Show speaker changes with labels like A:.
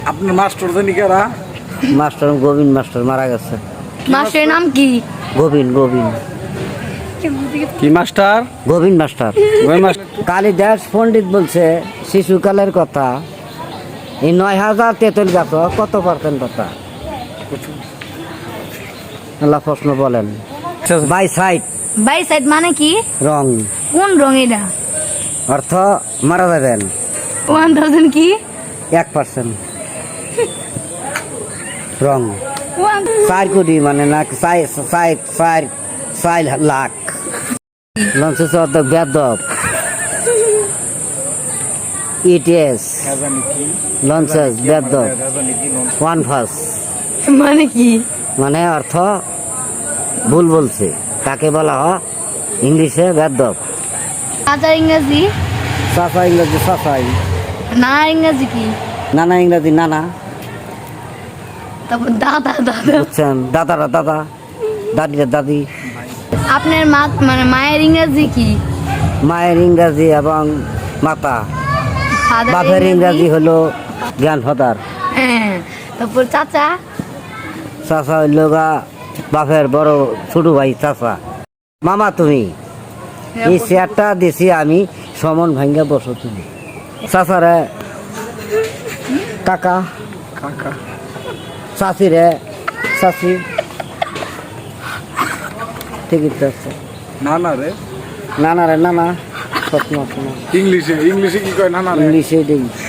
A: আপনার মাস্টার জানি কারা?
B: মাস্টার গোবিন্দ মাস্টার মারা গেছে।
C: মাস্টারের নাম কি?
B: গোবিন্দ
A: কি মাস্টার?
B: গোবিন্দ মাস্টার।
A: ওই মাস্টার
B: কালিদাস পণ্ডিত বলছে শিশুকালের কথা, এই ৯,০০০ তেঁতুল গাছ কত পার্সেন্ট কথা? আল্লাহ প্রশ্ন বলেন। বাই সাইড
C: বাই সাইড মানে কি?
B: রং,
C: কোন রং এটা?
B: অর্থ মারা যাবেন।
C: 1000 কি?
B: 1% রং।
C: 1
B: 4 কোটি মানে না 4 লাখ। লঞ্চেস অর্থ বেদব। ইটিএস লঞ্চেস বেদব। 1 ফার্স্ট
C: মানে কি?
B: মানে অর্থ ভুল বলছে, তাকে বলা হয় ইংলিশে বেদব।
C: চাচার ইংরেজি?
B: চাচা ইংরেজি চাচাই,
C: না ইংরেজি কি?
B: নানা ইংরেজি নানা।
C: তারপর দাদা
B: বুঝছেন, দাদারা দাদা, দাদিরা দাদি।
C: আপনার মা মানে মায়ের ইংরেজি কি?
B: মায়ের ইংরাজি এবং মাতা।
C: Father
B: বাপের ইংরাজি হলো গ্র্যান্ডফাদার।
C: হ্যাঁ। তারপর চাচা?
B: চাচা হইল গা বাপের বড় ছোট ভাই চাচা। মামা তুমি এই চেয়ারটা দিছি আমি, সমন ভাঙ্গা বসো তুমি। চাচারে কাকা,
A: কাকা।
B: চাচিরে চাচি। ঠিকই তো আছে।
A: নানা রে।
B: নানারে নানা। সবসময়
A: ইংলিশে কি কয় নানা রে?
B: ইংলিশে